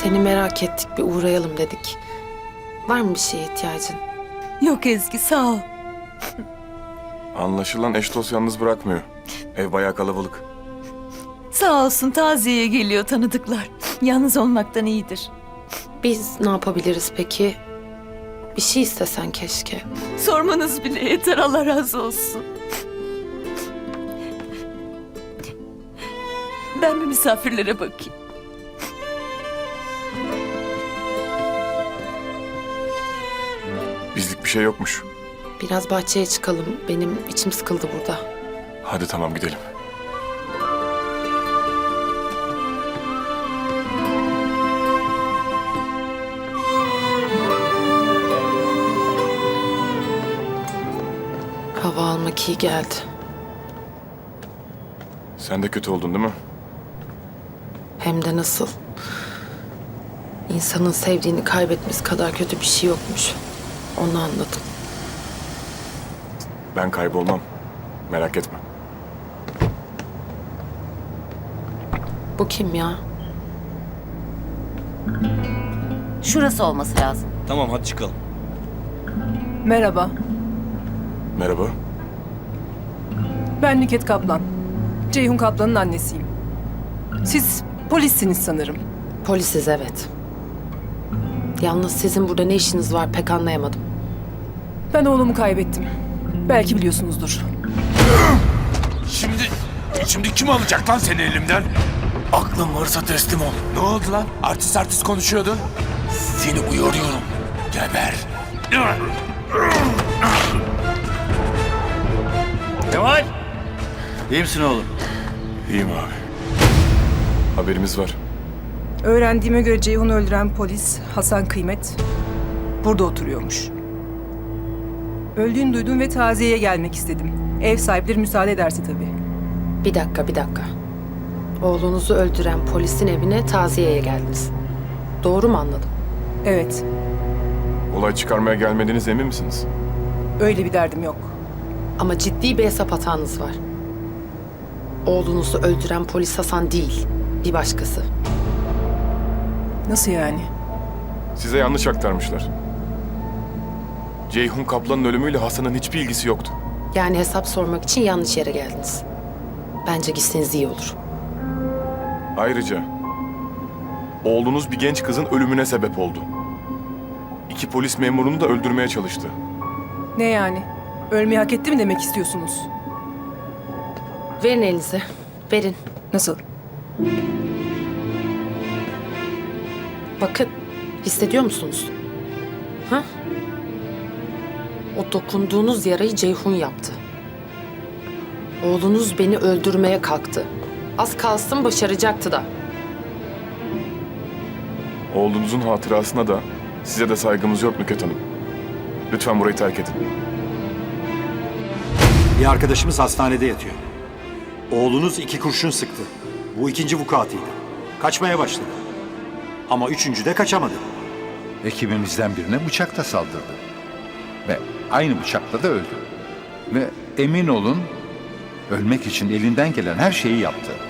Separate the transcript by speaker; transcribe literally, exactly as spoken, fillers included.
Speaker 1: Seni merak ettik, bir uğrayalım dedik. Var mı bir şeye ihtiyacın?
Speaker 2: Yok Ezgi, sağ ol.
Speaker 3: Anlaşılan eş dost yalnız bırakmıyor. Ev bayağı kalabalık.
Speaker 2: Sağ olsun, taziyeye geliyor tanıdıklar. Yalnız olmaktan iyidir.
Speaker 1: Biz ne yapabiliriz peki? Bir şey istesen keşke.
Speaker 2: Sormanız bile yeter, Allah razı olsun. Ben bir misafirlere bakayım.
Speaker 3: Bizlik bir şey yokmuş.
Speaker 1: Biraz bahçeye çıkalım. Benim içim sıkıldı burada.
Speaker 3: Hadi tamam gidelim.
Speaker 1: Hava almak iyi geldi.
Speaker 3: Sen de kötü oldun değil mi?
Speaker 1: Hem de nasıl? İnsanın sevdiğini kaybetmesi kadar kötü bir şey yokmuş. Onu anladım.
Speaker 3: Ben kaybolmam. Merak etme.
Speaker 1: Bu kim ya?
Speaker 4: Şurası olması lazım.
Speaker 5: Tamam hadi çıkalım.
Speaker 6: Merhaba,
Speaker 3: Merhaba.
Speaker 6: ben Nüket Kaplan. Ceyhun Kaplan'ın annesiyim. Siz polissiniz sanırım.
Speaker 1: Polisiz, evet. Yalnız sizin burada ne işiniz var pek anlayamadım.
Speaker 6: Ben oğlumu kaybettim. Belki biliyorsunuzdur.
Speaker 7: Şimdi, şimdi kim alacak lan seni elimden? Aklın varsa teslim ol. Ne oldu lan? Artist artist konuşuyordun. Seni uyarıyorum. Geber.
Speaker 5: Kemal! İyi misin oğlum?
Speaker 3: İyiyim abi. Haberimiz var.
Speaker 6: Öğrendiğime göre Ceyhun'u öldüren polis Hasan Kıymet burada oturuyormuş. Öldüğünü duydum ve taziyeye gelmek istedim. Ev sahipleri müsaade ederse tabii.
Speaker 1: Bir dakika, bir dakika. Oğlunuzu öldüren polisin evine taziyeye geldiniz. Doğru mu anladım?
Speaker 6: Evet,
Speaker 3: Olay çıkarmaya gelmediğiniz emin misiniz?
Speaker 6: öyle bir derdim yok.
Speaker 1: Ama ciddi bir hesap hatanız var. Oğlunuzu öldüren polis Hasan değil, bir başkası.
Speaker 6: Nasıl yani?
Speaker 3: Size yanlış aktarmışlar. Ceyhun Kaplan'ın ölümüyle Hasan'ın hiçbir ilgisi yoktu.
Speaker 1: Yani hesap sormak için yanlış yere geldiniz. Bence gitseniz iyi olur.
Speaker 3: Ayrıca oğlunuz bir genç kızın ölümüne sebep oldu. İki polis memurunu da öldürmeye çalıştı.
Speaker 6: Ne yani? Ölmeyi hak etti mi demek istiyorsunuz?
Speaker 1: Verin elinizi, verin.
Speaker 6: Nasıl?
Speaker 1: Bakın, hissediyor musunuz? Ha? O dokunduğunuz yarayı Ceyhun yaptı. Oğlunuz beni öldürmeye kalktı. Az kalsın başaracaktı da.
Speaker 3: Oğlunuzun hatırasına da size de saygımız yok Nüket Hanım. Lütfen burayı terk edin.
Speaker 8: Bir arkadaşımız hastanede yatıyor. Oğlunuz iki kurşun sıktı. Bu ikinci vukuatıydı. Kaçmaya başladı. Ama üçüncü de kaçamadı.
Speaker 9: Ekibimizden birine bıçakla saldırdı. Ve aynı bıçakla da öldü. Ve emin olun ölmek için elinden gelen her şeyi yaptı.